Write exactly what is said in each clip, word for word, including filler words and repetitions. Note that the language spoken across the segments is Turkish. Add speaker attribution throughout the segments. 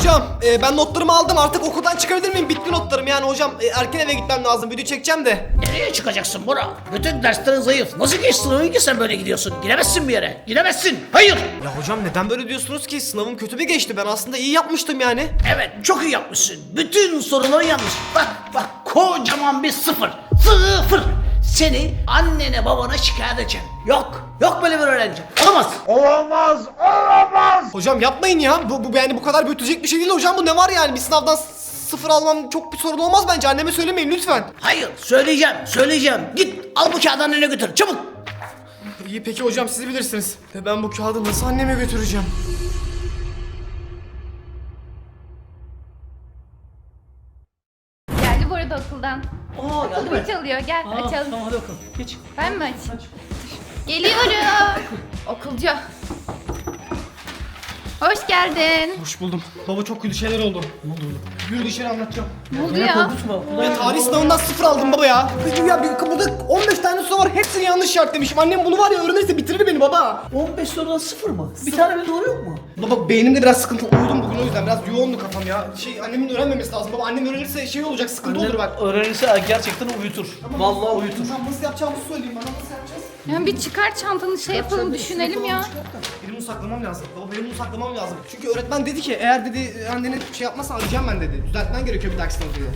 Speaker 1: hocam e, ben notlarımı aldım, artık okuldan çıkabilir miyim? Bitti notlarım yani hocam, e, erken eve gitmem lazım, video çekeceğim de.
Speaker 2: Nereye çıkacaksın Bora? Bütün derslerin zayıf. Nasıl geçti sınavın ki sen böyle gidiyorsun? Gidemezsin bir yere. Gidemezsin. Hayır.
Speaker 1: Ya hocam neden böyle diyorsunuz ki? Sınavım kötü bir geçti, ben aslında iyi yapmıştım yani.
Speaker 2: Evet, çok iyi yapmışsın. Bütün soruları yanlış. Bak bak, kocaman bir sıfır. Sıfır. Seni annene babana şikayet edeceğim. Yok. Yok böyle bir öğrenci. Olamaz.
Speaker 3: Olamaz, olamaz.
Speaker 1: Hocam yapmayın ya, bu, bu yani bu kadar büyütecek bir şey değil hocam, bu ne var yani? Bir sınavdan sıfır almam çok bir sorun olmaz bence, anneme söylemeyin lütfen.
Speaker 2: Hayır, söyleyeceğim. Söyleyeceğim. Git al bu kağıdı annene götür. Çabuk.
Speaker 1: İyi peki hocam, siz bilirsiniz. E, ben bu kağıdı nasıl anneme götüreceğim?
Speaker 4: Geldi bu arada okuldan.
Speaker 2: Aa, geldi
Speaker 4: Kapı
Speaker 2: mi?
Speaker 4: çalıyor, gel
Speaker 2: Aa,
Speaker 4: açalım.
Speaker 2: tamam hadi bakalım. Geç.
Speaker 4: Ben mi açayım? Geliyorum. Okulcu. Hoş geldin.
Speaker 1: Hoş buldum. Baba çok kötü şeyler oldu. Ne oldu? Yürü dışarı anlatacağım.
Speaker 4: Ne oldu ya?
Speaker 1: Ben tarih sınavından sıfır aldım baba ya. Ya bir, burada on beş tane soru var, hepsini yanlış işaretlemişim. Annem bunu var ya öğrenirse bitirir beni baba.
Speaker 2: on beş sorudan sıfır mı? Bir tane bile doğru yok mu?
Speaker 1: Baba beynimde biraz sıkıntı, uyudum bugün o yüzden biraz yoğundu kafam ya. Şey annemin öğrenmemesi lazım baba, annem öğrenirse şey olacak, sıkıntı olur bak.
Speaker 2: Öğrenirse gerçekten uyutur. Vallahi uyutur.
Speaker 1: Tamam nasıl yapacağımızı söyleyeyim bana, nasıl yapacağız?
Speaker 4: Ya bir çıkar çantanı şey yapalım, düşünelim ya.
Speaker 1: Benim bunu saklamam lazım. Baba benim bunu saklamam lazım. Çünkü öğretmen dedi ki eğer dedi annene şey yapmazsan arayacağım ben dedi. Düzeltmen gerekiyor bir dahaki sınavda dedi.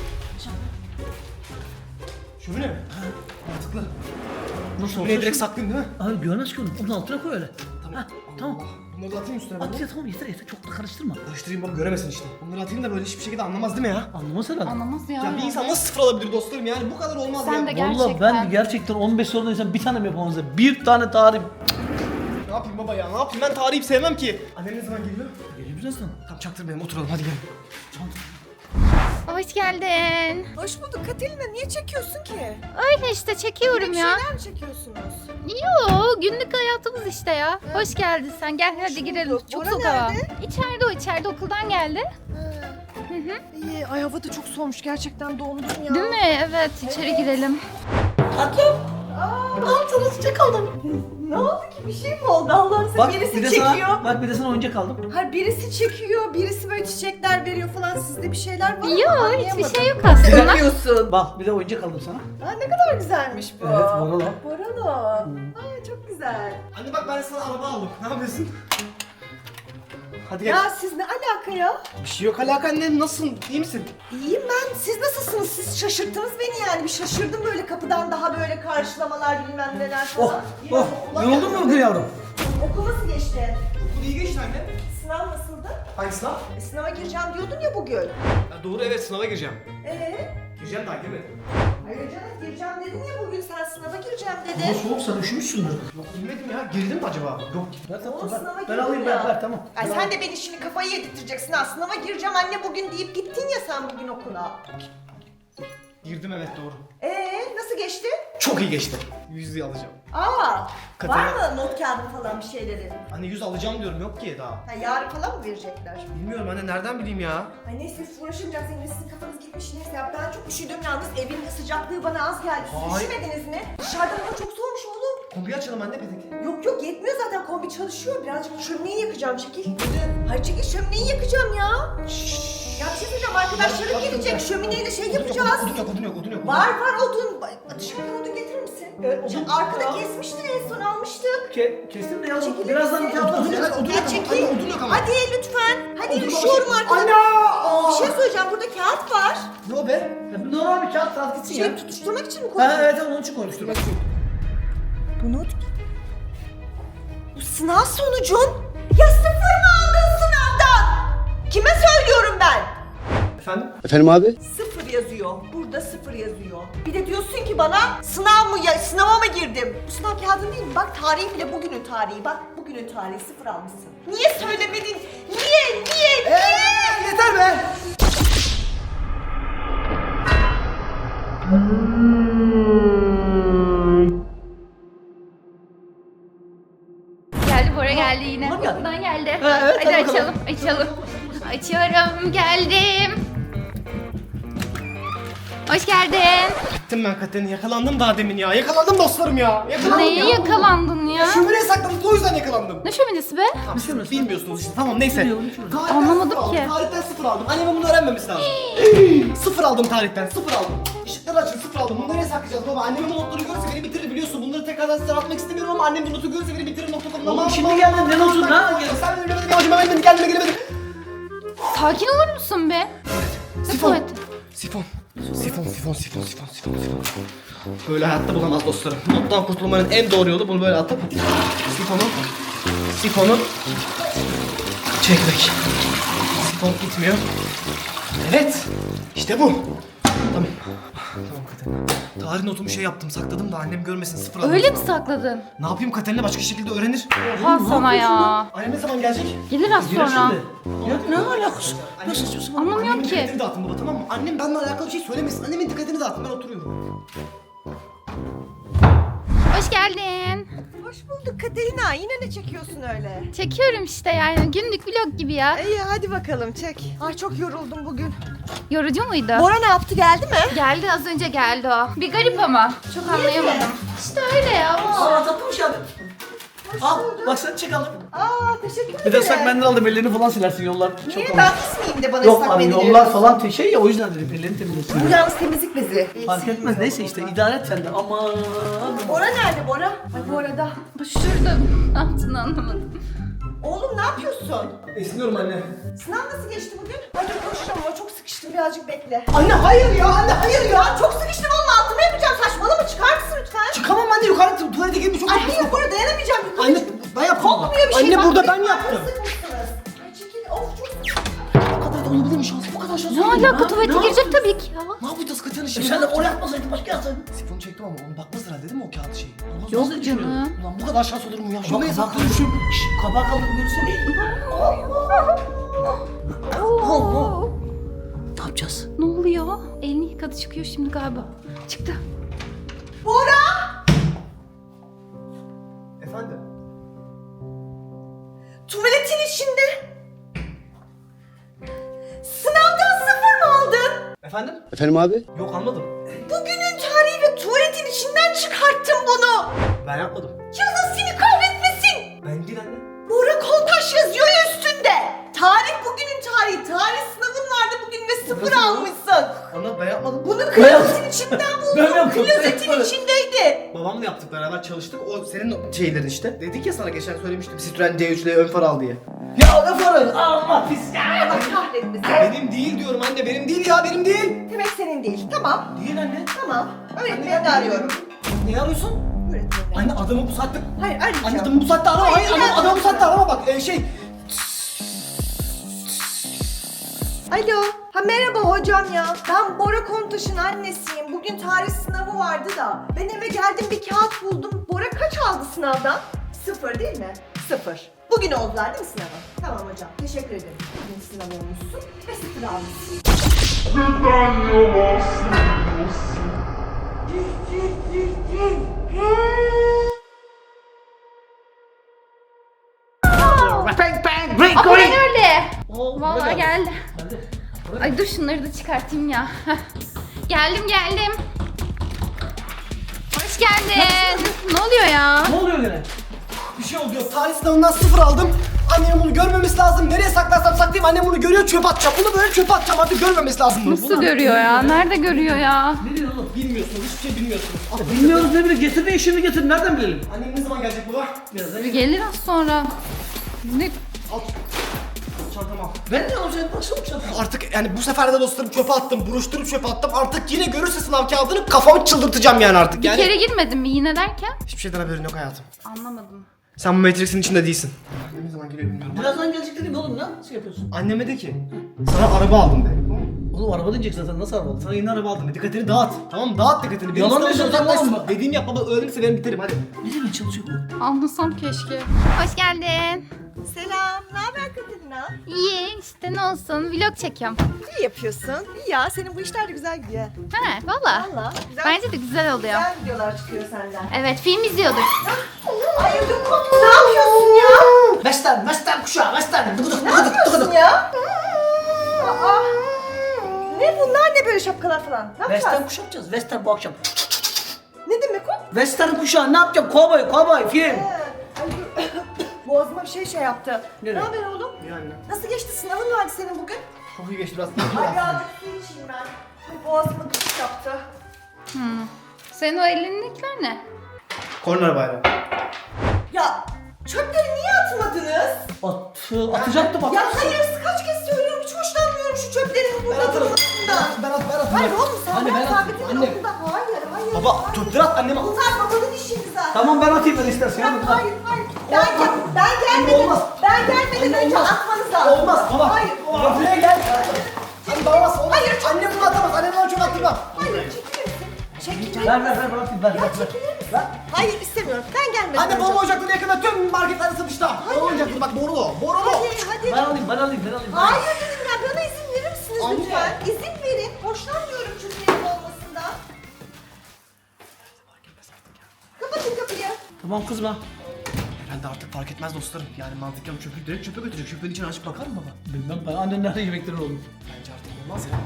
Speaker 1: Şömine mi? Mantıklı.
Speaker 2: Nasıl
Speaker 1: Şömineyi
Speaker 2: olsa
Speaker 1: direkt saklayayım değil mi?
Speaker 2: Abi görmez ki onu. Onun altına koy öyle. Tamam. Tamam.
Speaker 1: Bunları da atayım üstüne.
Speaker 2: At ya tamam yeter yeter. Çok da karıştırma.
Speaker 1: Karıştırayım baba, göremesin işte. Bunları atayım da böyle hiçbir şekilde anlamaz değil mi ya?
Speaker 2: Anlamaz herhalde.
Speaker 4: Anlamaz ya.
Speaker 1: Ya bir insan nasıl sıfır alabilir dostlarım, yani bu kadar olmaz
Speaker 4: Sen
Speaker 1: ya.
Speaker 4: de gel.
Speaker 2: Vallahi
Speaker 4: Gerçekten.
Speaker 2: ben gerçekten on beş sorudan insan bir tane mi yapamaz ya? Bir tane tarih.
Speaker 1: Ne yapayım baba ya, ne yapayım, ben tarihi sevmem ki. Annem ne zaman geliyor?
Speaker 2: Geliyor birazdan.
Speaker 1: Tamam çaktırmayalım, oturalım hadi gelin.
Speaker 4: Hoş geldin.
Speaker 5: Hoş bulduk Katerina. Niye çekiyorsun ki?
Speaker 4: Öyle işte çekiyorum
Speaker 5: Bir
Speaker 4: ya.
Speaker 5: şeyler mi çekiyorsunuz?
Speaker 4: Yo, günlük hayatımız işte ya. Hoş geldin sen, gel hadi girelim.
Speaker 5: bulduk.
Speaker 4: Çok
Speaker 5: Bora
Speaker 4: soğuk hava.
Speaker 5: nerede?
Speaker 4: İçeride o, içeride okuldan geldi.
Speaker 5: İyi. Ay hava da çok soğumuş. Gerçekten dondum ya.
Speaker 4: Değil mi? Evet, içeri girelim.
Speaker 5: Tatlım. Aa, ne yaptınız? Çek oldum. Ne oldu ki? Bir şey mi oldu? Allah'ım
Speaker 2: Bak
Speaker 5: birisi
Speaker 2: bir de
Speaker 5: çekiyor.
Speaker 2: sana, bak bir de sana oyuncak aldım.
Speaker 5: Hayır birisi çekiyor, birisi böyle çiçekler veriyor falan. Sizde bir şeyler var mı?
Speaker 4: Yo,
Speaker 5: Anlayamadım.
Speaker 4: hiçbir şey yok aslında.
Speaker 5: Yapıyorsun.
Speaker 2: Bak bir de oyuncak aldım sana.
Speaker 5: Aa, ne kadar güzelmiş bu.
Speaker 2: Evet, Boralo.
Speaker 5: Boralo. Aa, çok güzel.
Speaker 1: Anne bak ben sana araba aldım. Ne yapıyorsun? Hadi gel.
Speaker 5: Ya siz ne alaka ya?
Speaker 1: Bir şey yok alaka annem, nasılsın? İyi misin?
Speaker 5: İyiyim ben. Siz nasılsınız? Siz şaşırttınız beni yani. Bir şaşırdım böyle kapıdan daha böyle karşılamalar bilmem neler
Speaker 2: Oh,
Speaker 5: falan.
Speaker 2: oh.
Speaker 5: Ulan
Speaker 2: Yoruldun mu bugün yavrum?
Speaker 5: Okul nasıl geçti?
Speaker 1: Okul iyi geçti anne.
Speaker 5: Sınav nasıldı?
Speaker 1: Hangi sınav?
Speaker 5: E, sınava gireceğim diyordun ya bugün.
Speaker 1: Ya doğru, evet sınava gireceğim.
Speaker 5: Ee?
Speaker 1: Gireceğim daha girmedim.
Speaker 5: Hayır canım gireceğim dedin ya bugün sen sınava gireceğim
Speaker 2: Ama
Speaker 5: dedin.
Speaker 2: soğuk sen üşümüşsündür.
Speaker 1: Yok girmedim ya, girdim mi acaba? Yok.
Speaker 2: Ver
Speaker 5: Oğlum,
Speaker 2: tatlım
Speaker 5: sınava
Speaker 2: ver.
Speaker 5: girdin
Speaker 2: Ben alayım
Speaker 5: ya.
Speaker 2: ver ver tamam.
Speaker 5: Ay
Speaker 2: Ben
Speaker 5: sen
Speaker 2: alayım.
Speaker 5: de beni şimdi kafayı yedirteceksin ha. Sınava gireceğim anne bugün deyip gittin ya sen bugün okula.
Speaker 1: Girdim evet doğru.
Speaker 5: Ee nasıl geçti?
Speaker 1: Çok iyi geçti. Yüzü alacağım.
Speaker 5: Aa,
Speaker 1: Katerina-
Speaker 5: var mı not kağıdı falan bir şeyleri?
Speaker 1: Anne yüz alacağım diyorum, yok ki daha.
Speaker 5: Ha, yarın falan mı verecekler?
Speaker 1: Bilmiyorum anne, nereden bileyim ya?
Speaker 5: Ay neyse siz uğraşınca senin sizin kafanız gitmiş neyse ya ben çok üşüdüm yalnız evin sıcaklığı bana az geldi. Siz
Speaker 1: Ay.
Speaker 5: üşümediniz mi? Dışarıda hava çok soğumuş oğlum.
Speaker 1: Kombiyi açalım anne petek.
Speaker 5: Yok yok yetmiyor zaten kombi çalışıyor birazcık şömineyi yakacağım çekil. Hayır çekil şömineyi yakacağım ya. Ya bir şey söyleyeceğim arkadaşlarım gelecek şömineyle şey yapacağız.
Speaker 1: Odun yok, odun yok, odun yok.
Speaker 5: Var var odun. Dışarıdan odun getirir misin?
Speaker 2: odun-
Speaker 5: Arkada kesmiştin en son almıştık.
Speaker 2: Ke kestim de yavrum.
Speaker 5: Çekilir
Speaker 2: Birazdan
Speaker 5: misin?
Speaker 2: kağıt
Speaker 1: Odun
Speaker 2: alacağız.
Speaker 1: yok, odun
Speaker 5: Ya
Speaker 1: yok ama.
Speaker 5: çekil.
Speaker 1: Anne odun yok ama.
Speaker 5: Hadi lütfen. Hadi
Speaker 1: Odun
Speaker 5: üşüyorum
Speaker 1: var.
Speaker 5: arkada.
Speaker 1: Ana!
Speaker 5: Bir şey söyleyeceğim burada kağıt var.
Speaker 1: Ne o be?
Speaker 2: Ya bir normal bir kağıt kağıt gitsin ya.
Speaker 5: Şey tutuşturmak için mi koydun?
Speaker 2: Ha evet onun için koymuştum.
Speaker 5: Bu not... Bu sınav sonucun? Ya sıfır mı aldın sınavdan? Kime söylüyorum ben?
Speaker 1: Efendim?
Speaker 3: Efendim abi?
Speaker 5: Sıfır yazıyor. Burada sıfır yazıyor. Bir de diyorsun ki bana sınav mı ya sınava mı girdim? Bu sınav kağıdın değil mi? Bak tarihi bile bugünün tarihi. Bak bugünün tarihi sıfır almışsın. Niye söylemedin? Niye? Niye? Niye?
Speaker 1: Eee yeter be!
Speaker 4: Geldi Bora, geldi yine.
Speaker 2: Bora mı geldi?
Speaker 4: Okuldan geldi.
Speaker 2: Ha, evet,
Speaker 4: hadi
Speaker 2: hadi bakalım.
Speaker 4: açalım, açalım. Açıyorum, geldim. Hoş geldin.
Speaker 1: Gittim ben Katerina, yakalandım daha demin ya. Yakalandım dostlarım ya. Yakalandım
Speaker 4: Neye
Speaker 1: ya.
Speaker 4: yakalandın ya?
Speaker 1: Şömineye sakladım, o yüzden yakalandım.
Speaker 4: Ne şöminesi be?
Speaker 1: Tamam, siz bilmiyorsunuz işte. Tamam neyse. Tarihten
Speaker 4: Anlamadım
Speaker 1: sıfır aldım,
Speaker 4: ki.
Speaker 1: Tarihten sıfır aldım. Annemin bunu öğrenmemesi lazım. Sıfır aldım tarihten, sıfır aldım. Işıkları açın, sıfır aldım. Bunları nereye saklayacağız baba? Annemin bu notları görürse beni bitirir biliyorsun. Bunları tekrardan size atmak istemiyorum ama annem bu notu görürse beni bitirir nokta com'da.
Speaker 2: Oğlum şimdi geldin, ne notu, ne?
Speaker 1: Sen beni bilemedim, yavaşıma gelmedin, gelmedi, gelemedim.
Speaker 4: Sakin olur musun be? Ne
Speaker 1: Sifon.
Speaker 4: tuvaleti?
Speaker 1: Sifon. Sifon, sifon, sifon, sifon, sifon, sifon. Böyle hayatta bulamaz dostlarım. Nottan kurtulmanın en doğru yolu bunu böyle atıp sifonu, sifonu çekmek. Sifon gitmiyor. Evet, işte bu. Tamam. Tamam Katerina. Tarih notumu şey yaptım, sakladım da annem görmesin, sıfır aldım.
Speaker 4: Öyle mi sakladın?
Speaker 1: Ne yapayım Katerina, başka şekilde öğrenir.
Speaker 4: Ha sana ya.
Speaker 1: Annem ne zaman gelecek?
Speaker 4: Gelir az sonra.
Speaker 2: Ya ne alakası? Ne saçma
Speaker 4: Anlamıyorum
Speaker 1: Annemin
Speaker 4: ki.
Speaker 1: dikkatini dağıtın baba, tamam mı? Annem benimle alakalı bir şey söylemesin. Annemin dikkatini dağıtın, ben oturuyorum.
Speaker 4: Hoş geldin.
Speaker 5: Hoş bulduk Katerina. Yine ne çekiyorsun öyle?
Speaker 4: Çekiyorum işte yani günlük vlog gibi ya.
Speaker 5: İyi hadi bakalım çek. Ay çok yoruldum bugün.
Speaker 4: Yorucu muydu?
Speaker 5: Bora ne yaptı, geldi mi?
Speaker 4: Geldi az önce geldi o. Bir garip ama. Çok anlayamadım. İşte öyle ya.
Speaker 2: Aa tatlımış abi. Al bak sen çek alın.
Speaker 5: Aa teşekkür ederim.
Speaker 2: Bir de ıslak mendil aldım, ellerini falan silersin yollar.
Speaker 5: Niye
Speaker 2: Çok
Speaker 5: ben
Speaker 2: olmuş.
Speaker 5: pis miyim de bana
Speaker 2: Yok
Speaker 5: ıslak
Speaker 2: abi
Speaker 5: mendil
Speaker 2: yollar
Speaker 5: veriyorsun?
Speaker 2: falan te- şey ya, o yüzden dedim ellerini temizlesin.
Speaker 5: Bu yalnız temizlik bezi.
Speaker 2: Fark etmez, neyse işte idare et sen de. Aman.
Speaker 5: Bora nerede Bora? Ay bu arada.
Speaker 4: Şurada ne yaptığını anlamadım.
Speaker 5: Oğlum ne yapıyorsun?
Speaker 1: Esniyorum anne.
Speaker 5: Sınav nasıl geçti bugün? Ay dur koşacağım ama çok sıkıştım, birazcık bekle.
Speaker 1: Anne hayır ya, anne hayır ya.
Speaker 5: Ya çok sıkıştım oğlum, altımı yapacağım, saçmalama, çıkar mısın lütfen?
Speaker 1: Çıkamam anne, yukarı tuvalete girmiş çok
Speaker 5: Ay
Speaker 1: haklısın.
Speaker 5: hayır Bora, dayanamayacağım. Yukarı
Speaker 1: Anne
Speaker 5: çık.
Speaker 1: ben yaptım.
Speaker 5: Kokmuyor bir şey.
Speaker 1: Anne
Speaker 5: Bak,
Speaker 1: burada
Speaker 5: benim
Speaker 1: ben yaptım.
Speaker 5: ağrısı sıkmışsınız. Ay çekil, of çok sıkıştım.
Speaker 1: Bu kadar da olabilir mi şans? Bu kadar şans
Speaker 4: Ne
Speaker 1: olur mu?
Speaker 4: alaka tuvalete girecek tabii ki ya.
Speaker 1: Ne yapacağız Katerina
Speaker 2: E
Speaker 1: şimdi?
Speaker 2: sen de oraya atmasaydın başka yapsaydın.
Speaker 1: Sifonu çektim ama onu bakmaz herhalde değil mi o kağıt şeyi? Olmaz,
Speaker 4: Yok
Speaker 1: nasıl düşünüyorum?
Speaker 4: canım.
Speaker 1: Ulan bu kadar şans olur mu ya?
Speaker 2: Bak
Speaker 1: Şuraya
Speaker 2: kabak
Speaker 1: saklanmışım.
Speaker 2: kaldı. Şşş kabak kaldı görürsene.
Speaker 4: Oo.
Speaker 2: Ne yapacağız?
Speaker 4: Ne oluyor? Elini yıkadı çıkıyor şimdi galiba. Çıktı.
Speaker 5: Bora!
Speaker 1: Efendim?
Speaker 5: Tuvaletin içinde. Sınavdan sıfır mı aldın?
Speaker 1: Efendim?
Speaker 3: Efendim abi?
Speaker 1: Yok almadım.
Speaker 5: Bugünün tarihi ve tuvaletin içinden çıkarttım bunu.
Speaker 1: Ben yapmadım.
Speaker 5: Yazın seni kahretmesin.
Speaker 1: Ben değil anne.
Speaker 5: Bora Koltaş yazıyor ya üstünde. Tarih bugünün tarihi. Tarih sınavın vardı bugün ve sıfır
Speaker 1: Nasıl ya?
Speaker 5: almışsın.
Speaker 1: Anne ben yapmadım.
Speaker 5: Bunu klozetin içinden
Speaker 2: Ben
Speaker 5: buldum.
Speaker 2: yaptım, ben
Speaker 5: Klozetin
Speaker 2: yapmadım.
Speaker 5: içindeydi.
Speaker 1: Babamla yaptık, beraber çalıştık. O senin o şeylerin işte. Dedik ya sana, geçen söylemiştim. Citroen C üç ile ön far al diye.
Speaker 2: Ya ne farı? Allah pis ya.
Speaker 5: Allah kahretmesin.
Speaker 1: Benim değil diyorum anne, benim değil ya, benim değil.
Speaker 5: Demek senin değil. Tamam.
Speaker 1: Değil anne.
Speaker 5: Tamam. Öğretmeni arıyorum.
Speaker 1: Ne arıyorsun?
Speaker 5: Öğretmeni.
Speaker 1: Anne adamı bu saatte...
Speaker 5: Hayır arayacağım.
Speaker 1: Anne adamı bu saatte arama. Hayır,
Speaker 5: Hayır,
Speaker 1: adam, adamı bu saatte arama bak. Ee, şey...
Speaker 5: Alo. Ha merhaba hocam ya. Ben Bora Kontaş'ın annesiyim. Bugün tarih sınavı vardı da. Ben eve geldim, bir kağıt buldum. Bora kaç aldı sınavdan? Sıfır değil mi? Sıfır. Bugün oldular değil mi sınavı? Tamam hocam. Teşekkür ederim. Bugün sınav olmuşsun ve sıfır almışsın.
Speaker 2: Bang bang ring
Speaker 4: Ama ben
Speaker 2: ring.
Speaker 4: öyle.
Speaker 2: Oo,
Speaker 4: Vallahi
Speaker 2: buraya
Speaker 4: geldi.
Speaker 2: Geldi.
Speaker 4: Ay dur şunları da çıkartayım ya. geldim geldim. Hoş geldin. Ne oluyor ya?
Speaker 2: Ne oluyor gene?
Speaker 1: Bir şey oldu yok. Tarih sınavından sıfır aldım. Annemin bunu görmemesi lazım. Nereye saklarsam saklayayım, annem bunu görüyor, çöpe atacağım. Bunu böyle çöpe atacağım, artık görmemesi lazım bunu.
Speaker 4: Nasıl görüyor ya? Nerede görüyor ya?
Speaker 2: Ne diyorsun oğlum?
Speaker 1: Bilmiyorsunuz, hiçbir şey bilmiyorsunuz. Al.
Speaker 2: Bilmiyoruz ne bileyim, getir de işini getir, nereden bilelim?
Speaker 1: Annem ne zaman gelecek baba?
Speaker 2: Birazdan.
Speaker 4: Gelir az sonra. Ne?
Speaker 1: Al. Çantamı al.
Speaker 2: Ben ne olacak, baksana bu çantaya.
Speaker 1: Artık yani bu sefer de dostlarım çöpe attım, buruşturup çöpe attım. Artık yine görürse sınav kağıdını kafamı çıldırtacağım yani artık.
Speaker 4: Bir
Speaker 1: Yani
Speaker 4: kere girmedin mi yine derken?
Speaker 1: hiçbir şeyden haberin yok hayatım.
Speaker 4: Anlamadım.
Speaker 1: Sen bu Matrix'in içinde değilsin. Ne zaman geliyor bilmiyorum.
Speaker 2: Birazdan gelecek dedim oğlum, ne nasıl yapıyorsun?
Speaker 1: Anneme de ki sana araba aldım de. Tamam mı?
Speaker 2: Oğlum araba diyecek zaten, nasıl araba aldın?
Speaker 1: Sana yeni araba aldım de. Dikkatini dağıt. Tamam mı? Dağıt dikkatini. Benim
Speaker 2: Yalan
Speaker 1: sınavımdan
Speaker 2: diyorsun, tamam
Speaker 1: uzaklaşsın.
Speaker 2: mı?
Speaker 1: Dediğimi yap baba, öğrenirse ben biterim hadi.
Speaker 2: Ne demek çalışıyor bu?
Speaker 4: Anlasam keşke. Hoş geldin.
Speaker 5: Selam. Ne haber Katerina?
Speaker 4: İyi işte ne olsun vlog çekiyorum.
Speaker 5: İyi yapıyorsun. İyi ya. Senin bu işler de güzel gidiyor.
Speaker 4: He valla.
Speaker 5: Valla. Güzel.
Speaker 4: Bence de güzel oluyor.
Speaker 5: Güzel videolar çıkıyor senden.
Speaker 4: Evet film izliyorduk.
Speaker 5: Ay ödüm koptu. Ne yapıyorsun ya?
Speaker 2: Western, Western kuşağı, Western. Dıgıdık,
Speaker 5: Ne
Speaker 2: dıgıdık,
Speaker 5: yapıyorsun
Speaker 2: dıgıdık.
Speaker 5: ya? Aa. Ne bunlar, ne böyle böyle şapkalar falan? Ne
Speaker 2: Western
Speaker 5: yapacağız?
Speaker 2: kuşatacağız. Western bu akşam.
Speaker 5: Ne demek o?
Speaker 2: Western kuşağı ne yapacağım? Kovboy, kovboy, film.
Speaker 5: He, ay, dur. Boğazıma bir şey şey yaptı.
Speaker 2: Nereye?
Speaker 5: Ne haber oğlum?
Speaker 1: Yani.
Speaker 5: Nasıl geçti sınavın vardı senin bugün?
Speaker 1: Çok iyi geçti biraz.
Speaker 5: Ay birazcık su içeyim ben. Ay, boğazıma gıcık yaptı.
Speaker 4: Hmm. Senin o elindekiler ne?
Speaker 1: Korner bayrağı.
Speaker 5: Ya çöpleri niye atmadınız?
Speaker 2: At, atacaktım
Speaker 5: Ya
Speaker 2: atarsın.
Speaker 5: hayır kaç kez söylüyorum hiç hoşlanmıyorum şu çöplerin burada
Speaker 1: atarım.
Speaker 5: durmasından.
Speaker 1: Ben at, ben at.
Speaker 5: Hayır oğlum sen
Speaker 1: Anne,
Speaker 5: ben
Speaker 1: ben
Speaker 5: sabitin
Speaker 1: atayım, anne.
Speaker 5: yolunda. Hayır hayır.
Speaker 1: Baba
Speaker 5: hayır.
Speaker 1: çöpleri at anneme.
Speaker 5: Bunlar babanın işiydi zaten.
Speaker 2: Tamam ben atayım ben istersen.
Speaker 5: Ya,
Speaker 2: Hadi,
Speaker 5: hayır hayır. Ben, gel, ben gelmeden,
Speaker 1: olmaz.
Speaker 5: ben gelmeden
Speaker 1: Anne,
Speaker 5: önce
Speaker 1: olmaz.
Speaker 5: atmanız lazım.
Speaker 1: Olmaz baba.
Speaker 5: Hayır.
Speaker 1: Baba buraya gel. Anne babamaz. Olmaz.
Speaker 5: Hayır, çok-
Speaker 1: Annem bunu atamaz. Annem bana çok attırmam.
Speaker 5: Hayır çekilir misin? Çekilir
Speaker 2: Ver
Speaker 5: misin?
Speaker 2: ver ver ben atayım ver
Speaker 5: Ya
Speaker 2: ver. ver.
Speaker 5: çekilir misin? Hayır istemiyorum. Ben gelmeden
Speaker 1: Anne
Speaker 5: önce.
Speaker 1: babam ocakları yakında tüm marketlerde satışta. Babam ocakları bak borulu. Borulu.
Speaker 5: Hadi hadi.
Speaker 2: Ben alayım ben alayım ben alayım.
Speaker 5: Hayır dedim ya bana izin verir misiniz
Speaker 1: Anne.
Speaker 5: lütfen? İzin verin. Hoşlanmıyorum çöplerin olmasından. Kapatın kapıyı.
Speaker 2: Tamam kızma.
Speaker 1: Herhalde artık fark etmez dostlarım. Yani mantıken çöpü direkt çöpe götürecek. Çöpün içine açıp bakar mı baba?
Speaker 2: Bilmem ben annen nerede yemekleri olur.
Speaker 1: Bence artık olmaz ya.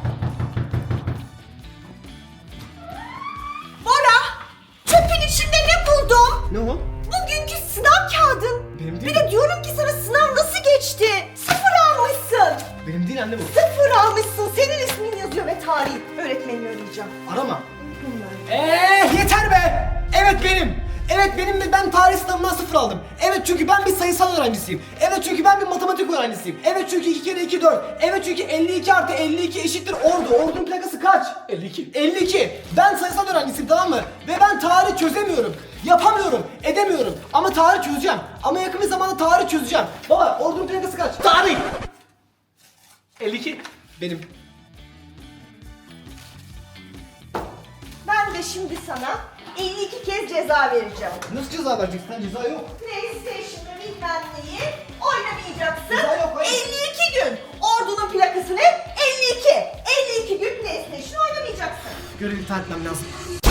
Speaker 5: Bora! Çöpün içinde ne buldum?
Speaker 1: Ne o?
Speaker 5: Bugünkü sınav kağıdın.
Speaker 1: Benim
Speaker 5: Bir
Speaker 1: değil.
Speaker 5: de diyorum ki sana sınav nasıl geçti? Sıfır almışsın.
Speaker 1: Benim değil anne bu.
Speaker 5: Sıfır almışsın. Senin ismin yazıyor ve tarihin. Öğretmenini arayacağım.
Speaker 1: Arama. Eee yeter be! Evet benim. Evet benim de ben tarih sınavından sıfır aldım. Evet çünkü ben bir sayısal öğrencisiyim. Evet çünkü ben bir matematik öğrencisiyim. Evet çünkü iki kere iki dört. Evet çünkü elli iki artı elli iki eşittir ordu. Ordunun plakası kaç?
Speaker 2: elli iki.
Speaker 1: elli iki. Ben sayısal öğrencisiyim tamam mı? Ve ben tarih çözemiyorum. Yapamıyorum. Edemiyorum. Ama tarih çözeceğim. Ama yakın bir zamanda tarih çözeceğim. Baba ordunun plakası kaç?
Speaker 2: Tarih. elli iki.
Speaker 1: Benim.
Speaker 5: Ben de şimdi sana elli iki kez ceza vereceğim.
Speaker 1: Nasıl ceza vereceksin? Sen ceza yok.
Speaker 5: PlayStation'da bilmem neyi oynamayacaksın.
Speaker 1: Ceza yok, hayır.
Speaker 5: elli iki gün. Ordunun plakası ne? elli iki. elli iki gün PlayStation oynamayacaksın.
Speaker 1: Görevi iptal etmem lazım.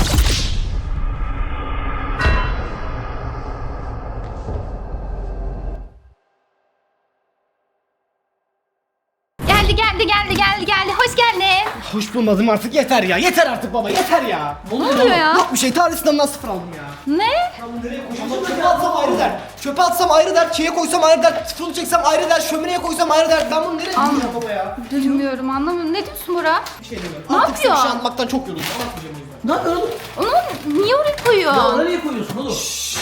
Speaker 4: Geldi geldi geldi geldi geldi. Hoş geldin.
Speaker 1: Hoş bulmadım artık yeter ya. Yeter artık baba yeter ya.
Speaker 4: Ne oluyor ya?
Speaker 1: Yok bir şey tarih sınavından sıfır aldım ya.
Speaker 4: Ne?
Speaker 1: Ama çöpe atsam ayrı dert. Çöpe atsam ayrı dert. Çiğe koysam ayrı dert. Sıfırını çeksem ayrı dert. Şömineye koysam ayrı dert. Ben bunu nereye
Speaker 4: Anladım.
Speaker 1: koyacağım baba ya?
Speaker 4: Bilmiyorum anlamıyorum. Ne diyorsun Bora?
Speaker 1: Bir şey demiyorum.
Speaker 4: Ne
Speaker 1: Artık size bir
Speaker 4: yapıyor?
Speaker 1: şey anlatmaktan çok yoruldum. Anlatmayacağım o yüzden.
Speaker 2: Ne yapıyorsun oğlum?
Speaker 4: Onu niye oraya koyuyor?
Speaker 2: Ya oraya niye koyuyorsun oğlum?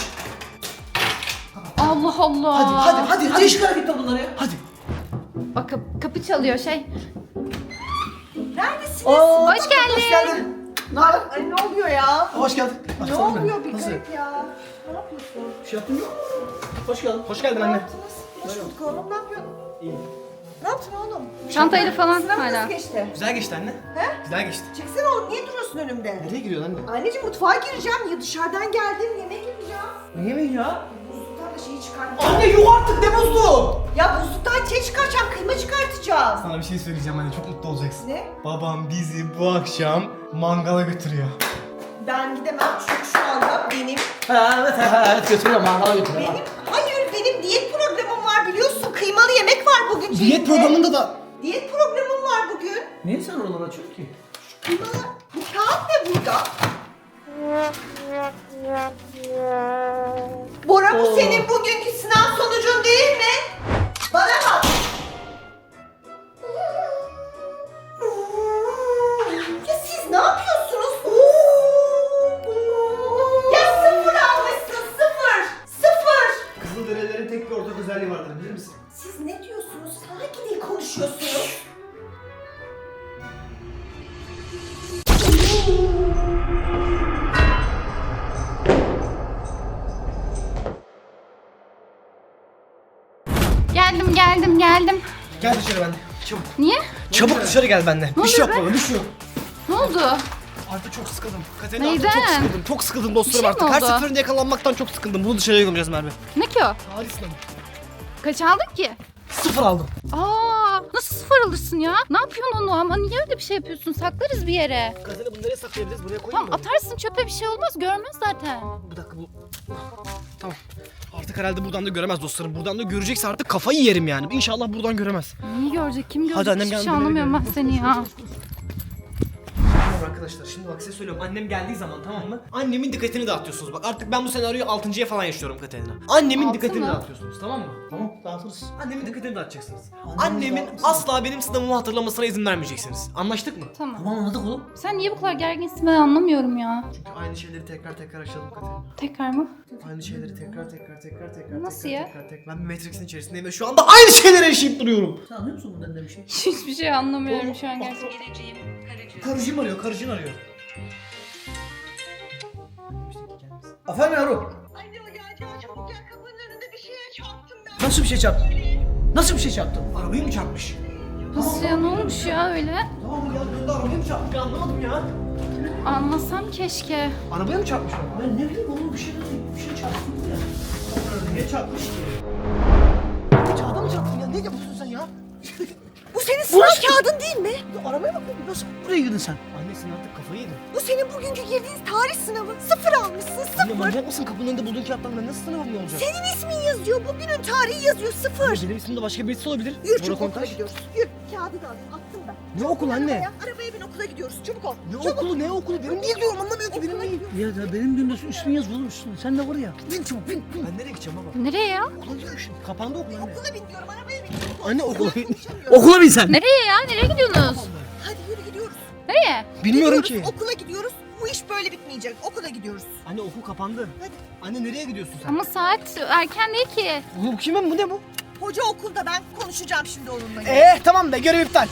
Speaker 4: Allah Allah.
Speaker 1: Hadi hadi hadi
Speaker 2: Hadi
Speaker 1: hadi.
Speaker 2: iş hareketler bunlar ya.
Speaker 1: Hadi.
Speaker 4: Bak kapı, kapı çalıyor şey.
Speaker 5: Neredesiniz?
Speaker 4: Hoş geldin.
Speaker 1: Hoş geldin. Ne haber?
Speaker 5: Ay ne oluyor ya?
Speaker 1: Hoş geldin.
Speaker 5: Ne
Speaker 1: Baksana
Speaker 5: oluyor bir
Speaker 1: Nasıl?
Speaker 5: garip ya? Ne yapıyorsun?
Speaker 1: Bir şey yaptın mı?
Speaker 2: Hoş geldin.
Speaker 1: Hoş geldin
Speaker 5: Ne
Speaker 1: anne.
Speaker 5: yaptınız? Hoş bulduk oğlum ne yapıyorsun?
Speaker 1: İyi.
Speaker 5: Ne yaptın oğlum?
Speaker 4: Çantayla falan
Speaker 5: Sınav
Speaker 4: hala.
Speaker 5: nasıl geçti?
Speaker 1: Güzel geçti anne.
Speaker 5: He?
Speaker 1: Güzel geçti.
Speaker 5: Çeksene oğlum niye duruyorsun önümde?
Speaker 1: Nereye gidiyorsun anne?
Speaker 5: Anneciğim mutfağa gireceğim ya dışarıdan geldim yemek yapacağım.
Speaker 1: Ne yemeği ya?
Speaker 5: Buzluktan da şeyi çıkartacağım.
Speaker 1: Anne yuh artık ne buzlu?
Speaker 5: Ya buzluktan şey çıkaracağım kıyma çıkartacağım.
Speaker 1: Sana bir şey söyleyeceğim anne çok mutlu olacaksın.
Speaker 5: Ne?
Speaker 1: Babam bizi bu akşam mangala götürüyor.
Speaker 5: Ben gidemem çünkü şu anda benim
Speaker 2: Ha evet ha, evet götürüyorum mangala götürüyorum.
Speaker 5: benim hayır benim diyet programım var biliyorsun kıymalı yemek var bugün.
Speaker 1: Diyet
Speaker 5: şeyde.
Speaker 1: programında da
Speaker 5: Diyet programım var bugün.
Speaker 2: Niye sen oraları açıyorsun ki?
Speaker 5: Kıymalı bu kağıt ne burada? Bora bu
Speaker 2: Oo.
Speaker 5: senin bugünkü sınav sonucun değil mi? Bana bak. Ya siz ne yapıyorsunuz? Ya sıfır almışsın sıfır. Sıfır.
Speaker 1: Kızılderililerin tek bir ortak özelliği vardır bilir misin?
Speaker 5: Siz ne diyorsunuz? Hangi dil konuşuyorsunuz?
Speaker 4: Geldim geldim geldim.
Speaker 1: Gel dışarı bende. Çabuk.
Speaker 4: Niye?
Speaker 1: Çabuk dışarı gel bende. Bir şey
Speaker 4: oluyor
Speaker 1: yok baba bir şey yok.
Speaker 4: Ne oldu?
Speaker 1: Artık çok sıkıldım. Katerina
Speaker 4: Neyden?
Speaker 1: artık çok sıkıldım. Çok sıkıldım dostlarım
Speaker 4: Bir şey mi
Speaker 1: artık. Her
Speaker 4: oldu?
Speaker 1: seferinde yakalanmaktan çok sıkıldım. Bunu dışarıya gömeceğiz Merve.
Speaker 4: Ne ki o?
Speaker 1: Tarih sınavı.
Speaker 4: Kaç aldın ki?
Speaker 1: Sıfır aldım.
Speaker 4: Aa, nasıl sıfır alırsın ya? Ne yapıyorsun onu ama niye öyle bir şey yapıyorsun? Saklarız bir yere.
Speaker 1: Katerina bunu nereye saklayabiliriz? Buraya koyayım
Speaker 4: Tamam
Speaker 1: mı?
Speaker 4: atarsın çöpe bir şey olmaz görmez zaten.
Speaker 1: Bir dakika bu. Tamam. Artık herhalde buradan da göremez dostlarım. Buradan da görecekse artık kafayı yerim yani. İnşallah buradan göremez.
Speaker 4: Niye görecek kim görecek?
Speaker 1: Hadi annem
Speaker 4: Hiçbir
Speaker 1: geldi,
Speaker 4: şey
Speaker 1: beni
Speaker 4: anlamıyorum ben
Speaker 1: görüyor.
Speaker 4: seni ya.
Speaker 1: Tamam arkadaşlar, şimdi bak size söylüyorum, annem geldiği zaman tamam mı? Annemin dikkatini dağıtıyorsunuz. Bak artık ben bu senaryoyu altıncıya falan yaşıyorum Katerina. Annemin
Speaker 4: Altı
Speaker 1: dikkatini
Speaker 4: mı?
Speaker 1: dağıtıyorsunuz, tamam mı?
Speaker 2: Tamam dağıtırız.
Speaker 1: Annemin dikkatini dağıtacaksınız.
Speaker 2: Annemiz
Speaker 1: Annemin
Speaker 2: dağıtmasın.
Speaker 1: asla benim sınavımı hatırlamasına izin vermeyeceksiniz. Anlaştık mı?
Speaker 4: Tamam.
Speaker 2: Tamam anladık oğlum.
Speaker 4: Sen niye bu kadar gerginsin ben anlamıyorum ya.
Speaker 1: Çünkü aynı şeyleri tekrar tekrar yaşadım Katerina.
Speaker 4: Tekrar mı?
Speaker 1: Aynı şeyleri tekrar tekrar tekrar tekrar
Speaker 4: Nasıl
Speaker 1: tekrar,
Speaker 4: ya?
Speaker 1: tekrar tekrar. Ben bir Matrix'in içerisindeyim ve şu anda aynı şeyleri yaşayıp duruyorum.
Speaker 2: Sen anlıyor musun bundan ne bir şey?
Speaker 4: Hiçbir şey anlamıyorum şu an gerçekten.
Speaker 1: Karıcığım arıyor, karıcığın arıyor.
Speaker 2: Efendim yavrum.
Speaker 5: Anne o gel gel çabuk gel kapının önünde bir şeye çarptım ben.
Speaker 2: Nasıl bir şey çarptın? Nasıl bir şey çarptın?
Speaker 1: Arabayı mı çarpmış?
Speaker 4: Nasıl ya, ne olmuş ya öyle?
Speaker 1: Tamam mı ya? Ben de arabayı mı çarpmış? Ben anlamadım ya.
Speaker 4: Anlasam keşke.
Speaker 1: Arabaya mı çarpmış araba?
Speaker 2: Ben ne bileyim oğlum bir şey bir şey çarptın ya.
Speaker 1: Niye çarpmış ki? Kağıda mı çarptın ya? Ne yapıyorsun sen ya?
Speaker 5: Bu senin sınav kağıdın değil mi?
Speaker 2: Ya arabaya bak oğlum, nasıl buraya girdin sen?
Speaker 1: Annesin artık kafayı yedin.
Speaker 5: Bu senin bugünkü girdiğin tarih sınavı. Sıfır almışsın
Speaker 1: Anne
Speaker 5: sıfır.
Speaker 1: manyak mısın? Kapının önünde bulduğun kağıttan ben nasıl sınavım ne olacak?
Speaker 5: Senin ismin yazıyor. Bugünün tarihi yazıyor sıfır.
Speaker 1: Benim ismim de başka birisi olabilir.
Speaker 5: Yürü
Speaker 1: Bora
Speaker 5: çabuk okula
Speaker 1: Kontaş.
Speaker 5: gidiyoruz. Yürü kağıdı da alayım attım ben.
Speaker 1: Ne okul anne?
Speaker 5: Arabaya, arabaya bin okula gidiyoruz. Çabuk ol.
Speaker 1: Ne
Speaker 5: Çabuk.
Speaker 1: okulu ne okulu? Benim değil diyorum, anlamıyor ki benim değil.
Speaker 2: Ya da benim günde ismin yaz oğlum üstüne. Sen de var ya.
Speaker 1: Bin çabuk bin. Ben nereye gideceğim baba?
Speaker 4: Nereye ya?
Speaker 1: Okula gidiyorum şimdi. Kapandı okul anne.
Speaker 5: Okula bin diyorum arabaya bin.
Speaker 1: Anne okula bin.
Speaker 5: Konuşamıyorum.
Speaker 2: Okula bin sen.
Speaker 4: Nereye ya? Nereye gidiyorsunuz?
Speaker 5: Hadi yürü gidiyoruz.
Speaker 4: Nereye?
Speaker 1: Bilmiyorum
Speaker 5: Gidiyoruz,
Speaker 1: ki.
Speaker 5: Okula gidiyoruz. Bu iş böyle bitmeyecek. Okula gidiyoruz.
Speaker 1: Anne okul kapandı.
Speaker 5: Hadi.
Speaker 1: Anne nereye gidiyorsun sen?
Speaker 4: Ama saat erken değil ki.
Speaker 1: Bu kimin bu ne bu?
Speaker 5: Hoca okulda ben konuşacağım şimdi onunla.
Speaker 1: Eh tamam be, görev iptal.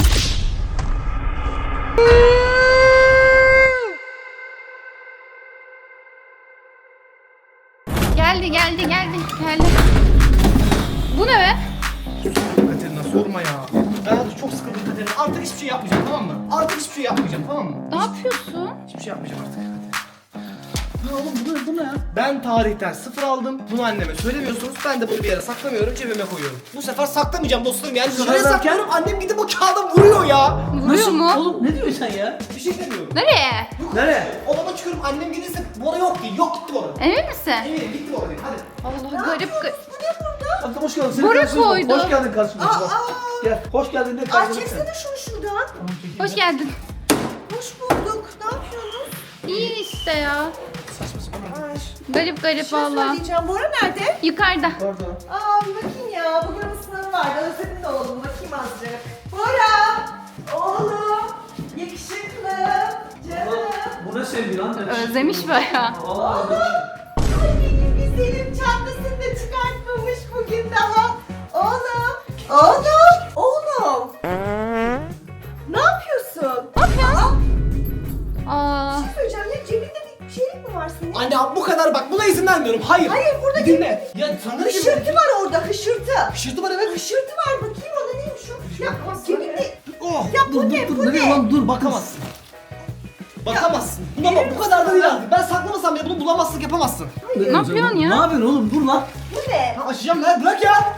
Speaker 4: Geldi geldi geldi geldi. Bu ne be?
Speaker 1: Katerina sorma ya. Ben artık çok sıkıldım Katerina. Artık hiçbir şey yapmayacağım, tamam mı? Artık hiçbir şey yapmayacağım, tamam mı?
Speaker 4: Ne yapıyorsun?
Speaker 1: Hiçbir şey yapmayacağım artık.
Speaker 2: Ya oğlum bu ne, bu ne ya?
Speaker 1: Ben tarihten sıfır aldım. Bunu anneme söylemiyorsunuz. Ben de bunu bir yere saklamıyorum, cebime koyuyorum. Bu sefer saklamayacağım dostlarım. Yani
Speaker 2: sefer
Speaker 1: şuraya
Speaker 2: derken?
Speaker 1: saklıyorum. Annem gidip o kağıda vuruyor ya.
Speaker 4: Vuruyor mu?
Speaker 2: Oğlum ne diyorsun sen ya?
Speaker 1: Bir şey demiyorum.
Speaker 4: Nereye?
Speaker 2: Nereye?
Speaker 1: Odama çıkıyorum, annem gelirse Bora yok ki. Yok gitti Bora.
Speaker 4: Emin misin?
Speaker 1: Eminim gitti Bora. Hadi.
Speaker 4: Allah garip garip.
Speaker 2: Hatta hoş geldin. Senin
Speaker 4: Bora
Speaker 2: karşına bak.
Speaker 4: koydu.
Speaker 2: Hoş geldin karşıma.
Speaker 5: Aa,
Speaker 2: Bak.
Speaker 5: aa.
Speaker 2: Gel. Hoş geldin de
Speaker 5: Ay
Speaker 2: karşıma.
Speaker 5: çeksene şunu şuradan.
Speaker 4: Hoş geldin.
Speaker 5: Hoş bulduk. Ne yapıyorsunuz?
Speaker 4: İyi işte ya.
Speaker 1: Saçma sapan.
Speaker 5: Ay.
Speaker 4: Garip garip
Speaker 5: Bir şey
Speaker 4: valla.
Speaker 5: söyleyeceğim. Bora nerede?
Speaker 4: Yukarıda.
Speaker 2: Orada.
Speaker 5: Aa bir bakayım ya. Bugün bir sınavı vardı. Özledin de oğlum. Bakayım azıcık. Bora! Oğlum! Yakışıklı! Canım!
Speaker 2: Bu ne sevgi lan?
Speaker 4: Özlemiş bayağı.
Speaker 2: Vallahi
Speaker 5: Oğlum! Ay benim güzelim çantasını da çıkartmamış bugün daha. Oğlum! Oğlum! Oğlum! Ne yapıyorsun?
Speaker 4: Ne yapıyorsun? Aa.
Speaker 5: Bir şey söyleyeceğim ya cebinde bir şeylik mi var senin?
Speaker 1: Anne bu kadar bak, buna izin vermiyorum. Hayır.
Speaker 5: Hayır, burada
Speaker 1: Bir dinle. Ya sana ne
Speaker 5: Hışırtı var orada hışırtı.
Speaker 1: Hışırtı var evet.
Speaker 5: Hışırtı var bakayım o da neymiş o? Ya cebinde...
Speaker 1: Oh.
Speaker 5: Ya bu ne
Speaker 2: dur,
Speaker 5: bu
Speaker 2: nereye
Speaker 5: ne?
Speaker 2: lan dur bakamaz.
Speaker 1: Bakamazsın. Bakamazsın. Buna bak, bu kadar da değil artık. Ben saklamasam bile bunu bulamazsın, yapamazsın.
Speaker 4: Ne yapıyorsun ya?
Speaker 2: Ne yapıyorsun oğlum? Dur lan.
Speaker 5: Bu ne?
Speaker 1: Ha, açacağım lan, bırak ya.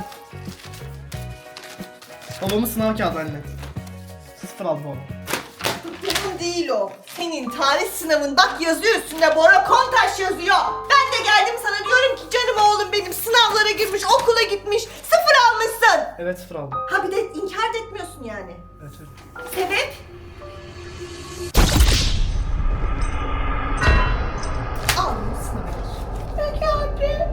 Speaker 1: Babamın sınav kağıdı anne. Sıfır aldı babam.
Speaker 5: Benim değil o. Senin tarih sınavın bak yazıyor üstünde Bora Kontaş yazıyor. Ben de geldim sana diyorum ki canım oğlum benim sınavlara girmiş okula gitmiş sıfır almışsın.
Speaker 1: Evet sıfır aldım.
Speaker 5: Ha bir de inkar da etmiyorsun yani.
Speaker 1: Evet evet.
Speaker 5: Sebep? Aldım sınavı. Peki abi.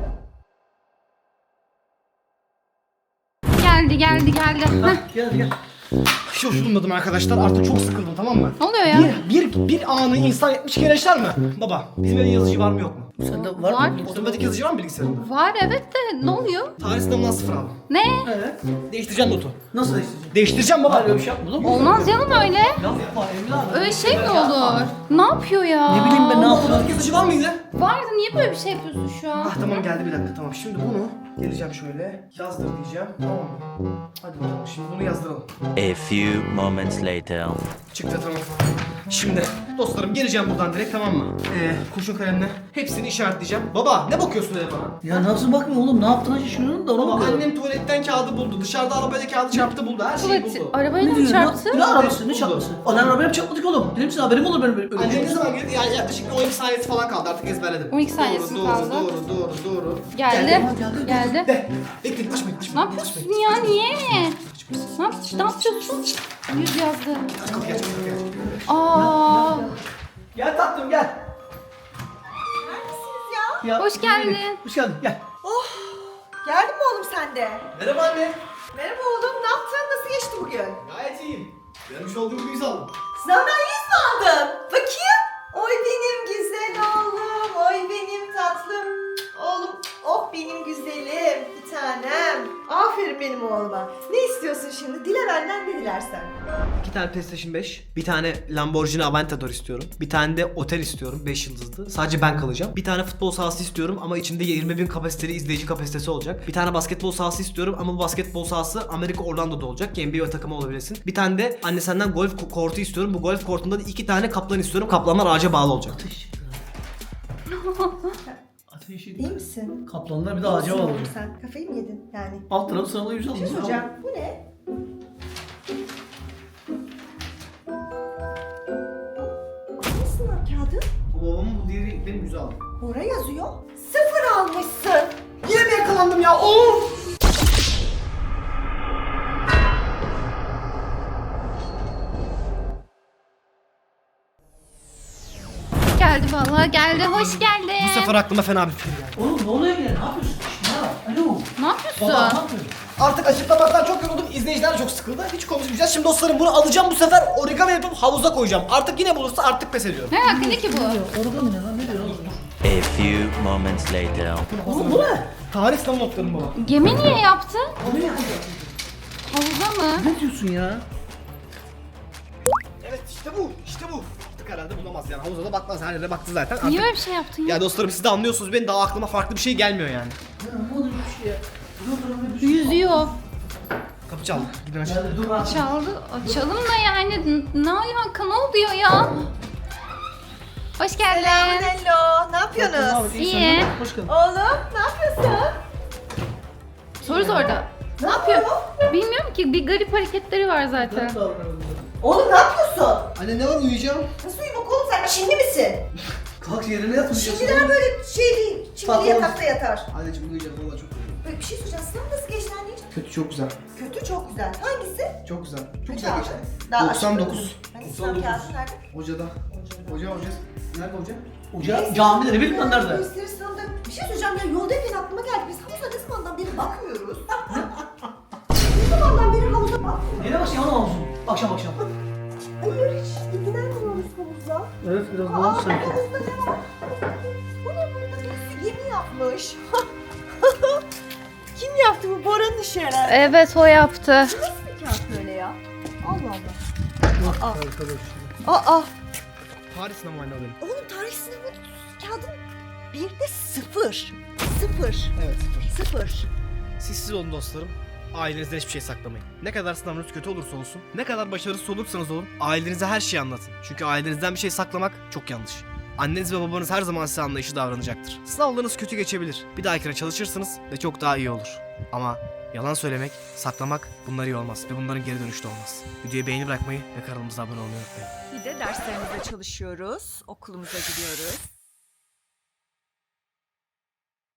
Speaker 4: Geldi geldi geldi. Heh.
Speaker 2: Gel gel.
Speaker 1: Hiç durmadım arkadaşlar, artık çok sıkıldım, tamam mı?
Speaker 4: Ne oluyor ya?
Speaker 1: Bir, bir, bir anı insan yetmiş kere yaşar mı? Baba, bizim evde yazıcı var mı yok mu?
Speaker 2: Sende var,
Speaker 4: Var.
Speaker 2: mı?
Speaker 1: Otomatik yazıcı var mı bilgisayarında?
Speaker 4: Var evet de ne oluyor?
Speaker 1: Tarih sınavından sıfır aldım.
Speaker 4: Ne?
Speaker 2: Evet.
Speaker 1: Değiştireceğim notu.
Speaker 2: Nasıl değiştireceksin?
Speaker 1: Değiştireceğim baba.
Speaker 2: Hayır öyle bir şey yapma oğlum.
Speaker 4: Olmaz canım öyle.
Speaker 2: Yapma Emine abi.
Speaker 4: Öyle şey mi olur? Ne yapıyor ya?
Speaker 2: Ne bileyim ben ne yapayım?
Speaker 1: Otomatik yazıcı var mıydı?
Speaker 4: Vardı niye böyle bir şey yapıyorsun şu an?
Speaker 1: Ah tamam, geldi bir dakika, tamam. Şimdi bunu geleceğim şöyle, yazdır diyeceğim, tamam mı? Hadi bakalım, şimdi bunu yazdıralım.
Speaker 6: A few moments later.
Speaker 1: Çıktı, tamam. Şimdi dostlarım geleceğim buradan direkt, tamam mı? Ee, kurşun kalemle hepsini işaretleyeceğim. Baba ne bakıyorsun öyle bana?
Speaker 2: Ya nasıl bakmıyor oğlum? Ne yaptığına şaşırıyorum da ona
Speaker 1: Baba
Speaker 2: bakıyorum.
Speaker 1: annem tuvaletten kağıdı buldu, dışarıda arabayla kağıdı çarptı buldu, her şeyi
Speaker 4: Tuvalet,
Speaker 1: buldu.
Speaker 4: arabayla mı
Speaker 2: diyorsun?
Speaker 4: çarptı?
Speaker 2: Ne arabası? Ne
Speaker 1: Buldu.
Speaker 2: çarpması? Anan arabaya mı çarpmadık oğlum? Benim size haberim olur benim böyle bir
Speaker 1: Annem
Speaker 2: şey.
Speaker 1: ne zaman geldi? Yani yaklaşık on iki saniyesi falan kaldı, artık ezberledim.
Speaker 4: on iki saniyesi
Speaker 1: doğru,
Speaker 4: kaldı.
Speaker 1: Doğru, doğru, doğru, doğru.
Speaker 4: Geldi.
Speaker 1: Geldi.
Speaker 4: Geldi.
Speaker 1: De, bekleyin, açmayın,
Speaker 4: Ne
Speaker 1: açmayın.
Speaker 4: yapıyorsun ya? Niye?
Speaker 1: Açmayın.
Speaker 4: Ne, yap ne yapıyorsun? Yüz yazdı.
Speaker 1: Kapıyı aç, kapıyı aç.
Speaker 4: Aa,
Speaker 2: Gel tatlım gel.
Speaker 5: Neredesiniz ya?
Speaker 2: Ya,
Speaker 4: Hoş geldin.
Speaker 2: Hoş geldin gel.
Speaker 5: Oh! Geldin mi oğlum sen de?
Speaker 1: Merhaba anne.
Speaker 5: Merhaba oğlum, ne yaptın? Nasıl geçti bugün?
Speaker 1: Gayet iyiyim. Görmüş olduğum gibi yüz aldım.
Speaker 5: Sınavdan yüz mü aldın? Bakayım. Oy benim güzel oğlum, oy benim tatlım. Oğlum, oh benim güzelim, bir tanem. Aferin benim oğluma. Ne istiyorsun şimdi? Dile benden ne dilersen.
Speaker 1: İki tane PlayStation beş, bir tane Lamborghini Aventador istiyorum. Bir tane de otel istiyorum, beş yıldızlı. Sadece ben kalacağım. Bir tane futbol sahası istiyorum ama içinde yirmi bin kapasiteli izleyici kapasitesi olacak. Bir tane basketbol sahası istiyorum ama bu basketbol sahası Amerika Orlando'da olacak ki N B A takımı olabilesin. Bir tane de anne senden golf ko- kortu istiyorum. Bu golf kortunda da iki tane kaplan istiyorum. Kaplanlar ağaca bağlı olacak.
Speaker 2: Ateşi.
Speaker 5: İyi misin?
Speaker 2: Kaplanlar bir de
Speaker 5: İyi
Speaker 2: ağaca
Speaker 5: misin
Speaker 2: bağlı.
Speaker 5: oğlum sen? Kafayı mı yedin yani?
Speaker 2: Alt tarafı sırala yüz
Speaker 5: Bir şey
Speaker 2: aldım.
Speaker 5: soracağım. Bu ne? Ne sınav kağıdı?
Speaker 1: Bu babamın, bu diğeri benim yüzü aldım.
Speaker 5: Oraya yazıyor. Sıfır almışsın.
Speaker 1: Yine mi yakalandım ya? Of!
Speaker 4: geldi vallahi geldi. Hoş geldin.
Speaker 1: Bu sefer aklıma fena bir fikir geldi.
Speaker 2: Oğlum ne oluyor yine? Ne yapıyorsun? Ya, alo.
Speaker 4: Ne yapıyorsun?
Speaker 2: Baba ne yapıyorsun?
Speaker 1: Artık açıklamaktan çok yoruldum. İzleyiciler de çok sıkıldı. Hiç konuşmayacağız. Şimdi dostlarım bunu alacağım, bu sefer origami yapıp havuza koyacağım. Artık yine bulursa artık pes ediyorum.
Speaker 4: Ne hakkında ki bu?
Speaker 2: Origami ne lan? Ne diyor oğlum?
Speaker 6: A few moments later.
Speaker 2: Oğlum bu ne?
Speaker 1: Tarih sınav notlarım baba.
Speaker 4: Gemi niye yaptı?
Speaker 2: O ne yapıyor?
Speaker 4: Havuza mı?
Speaker 2: Ne diyorsun ya?
Speaker 1: Evet işte bu. İşte bu. Artık herhalde bulamaz yani. Havuza da bakmaz. Her yere baktı zaten.
Speaker 4: Niye
Speaker 1: Artık...
Speaker 4: böyle bir şey yaptın ya?
Speaker 1: Ya dostlarım siz de anlıyorsunuz. Benim daha aklıma farklı bir şey gelmiyor yani.
Speaker 2: Ya ne oluyor bir şey ya? Dur dur dur. bir şey-
Speaker 4: Yüzüyor.
Speaker 1: Kapı çaldı. Gidin aşağı.
Speaker 2: Geldi dur lan.
Speaker 4: Çaldı. Açalım da yani. N- Ne alaka? Ne oluyor ya? Hoş geldin.
Speaker 5: Hello. Ne yapıyorsunuz?
Speaker 4: İyi.
Speaker 2: Hoş geldin.
Speaker 5: Oğlum ne yapıyorsun?
Speaker 4: Soru sordu. Ne yapıyor? Bilmiyorum ki. Bir garip hareketleri var zaten.
Speaker 5: Oğlum ne yapıyorsun?
Speaker 1: Anne ne var, uyuyacağım?
Speaker 5: Nasıl uyumak oğlum, sen Çinli misin?
Speaker 2: Kalk yerine yatmayacaksın.
Speaker 5: Çinliler böyle şey değil. Çinli
Speaker 1: Patron.
Speaker 5: yatakta yatar.
Speaker 1: Anneciğim uyuyacağım. Valla çok uyuyorum.
Speaker 5: Böyle bir şey soracağım. Sınav nasıl geçti anneciğim?
Speaker 1: Kötü, çok güzel.
Speaker 5: Kötü, çok güzel. Hangisi?
Speaker 1: Çok güzel. Çok
Speaker 5: Kaç
Speaker 1: güzel
Speaker 5: aldın?
Speaker 1: geçti.
Speaker 5: Daha
Speaker 1: doksan dokuz.
Speaker 5: Hani sınav kağıdı nerede?
Speaker 1: Hocada. Hoca hoca. Nerede hoca?
Speaker 2: Hoca camide ne bileyim lan nerede?
Speaker 5: Gösteri sınavda. Bir şey söyleyeceğim ya, yoldayken aklıma geldi. Biz havuza ne zamandan beri bakmıyoruz? Ne zamandan beri havuza bakmıyoruz?
Speaker 2: Yine başlayalım havuzun. Akşam akşam.
Speaker 5: Hayır, hiç ilgilenmiyoruz havuza.
Speaker 2: Evet biraz
Speaker 5: Aa,
Speaker 2: daha sanki.
Speaker 5: havuzda ne var? Bu ne burada? Birisi gemi yapmış. Kim yaptı bu? Bora'nın işi herhalde.
Speaker 4: Evet o yaptı.
Speaker 5: Nasıl bir kağıt böyle ya? Allah Allah. Aa. Aa.
Speaker 1: Tarih sınavı anne benim.
Speaker 5: Oğlum tarih sınavı kağıdın bir de sıfır. Sıfır.
Speaker 1: Evet sıfır.
Speaker 5: Sıfır.
Speaker 1: Siz siz olun dostlarım. Ailenizden hiçbir şey saklamayın. Ne kadar sınavınız kötü olursa olsun, ne kadar başarısız olursanız olun, ailenize her şeyi anlatın. Çünkü ailenizden bir şey saklamak çok yanlış. Anneniz ve babanız her zaman size anlayışlı davranacaktır. Sınavlarınız kötü geçebilir. Bir dahakine çalışırsınız ve çok daha iyi olur. Ama yalan söylemek, saklamak bunlar iyi olmaz ve bunların geri dönüşü de olmaz. Videoyu beğeni bırakmayı ve kanalımıza abone olmayı unutmayın.
Speaker 5: Bir de derslerimize çalışıyoruz. Okulumuza gidiyoruz.